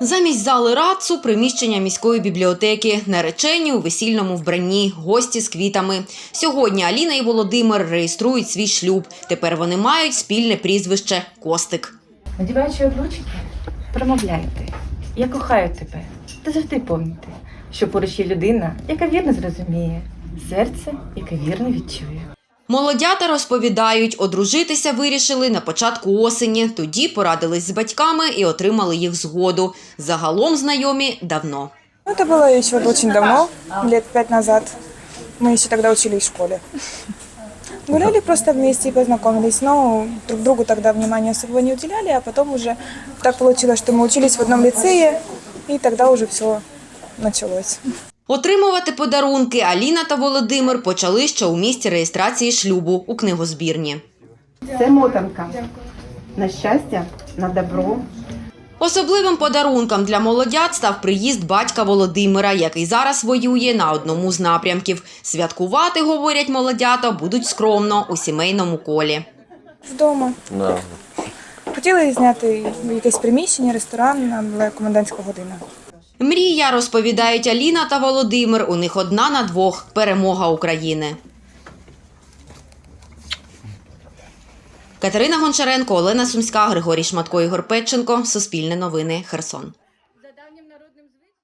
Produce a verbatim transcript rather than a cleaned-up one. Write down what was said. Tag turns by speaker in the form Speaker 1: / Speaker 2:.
Speaker 1: Замість зали радцу – приміщення міської бібліотеки. Наречені у весільному вбранні, гості з квітами. Сьогодні Аліна і Володимир реєструють свій шлюб. Тепер вони мають спільне прізвище – Костик.
Speaker 2: Надіваючи одручки, промовляйте: «Я кохаю тебе». Та завжди пам'ятайте, що поруч є людина, яка вірно зрозуміє, серце, яке вірно відчує.
Speaker 1: Молодята розповідають, одружитися вирішили на початку осені. Тоді порадились з батьками і отримали їх згоду. Загалом знайомі давно.
Speaker 3: Это было еще очень давно, лет пять назад. Мы еще тогда учились в школе. Гуляли просто вместе и познакомились, но друг другу тогда внимания особого не уделяли, а потом уже так получилось, что мы учились в одном лицее, и тогда уже все началось.
Speaker 1: Отримувати подарунки Аліна та Володимир почали ще у місці реєстрації шлюбу у книгозбірні.
Speaker 2: Це мотанка. На щастя, на добро.
Speaker 1: Особливим подарунком для молодят став приїзд батька Володимира, який зараз воює на одному з напрямків. Святкувати, говорять молодята, будуть скромно, у сімейному колі.
Speaker 3: Вдома.
Speaker 4: Да.
Speaker 3: Хотіли зняти якесь приміщення, ресторан, але комендантська година.
Speaker 1: Мрія, розповідають Аліна та Володимир, у них одна на двох – перемога України. Катерина Гончаренко, Олена Сумська, Григорій Шматко, Ігор Петченко. Суспільне новини. Херсон.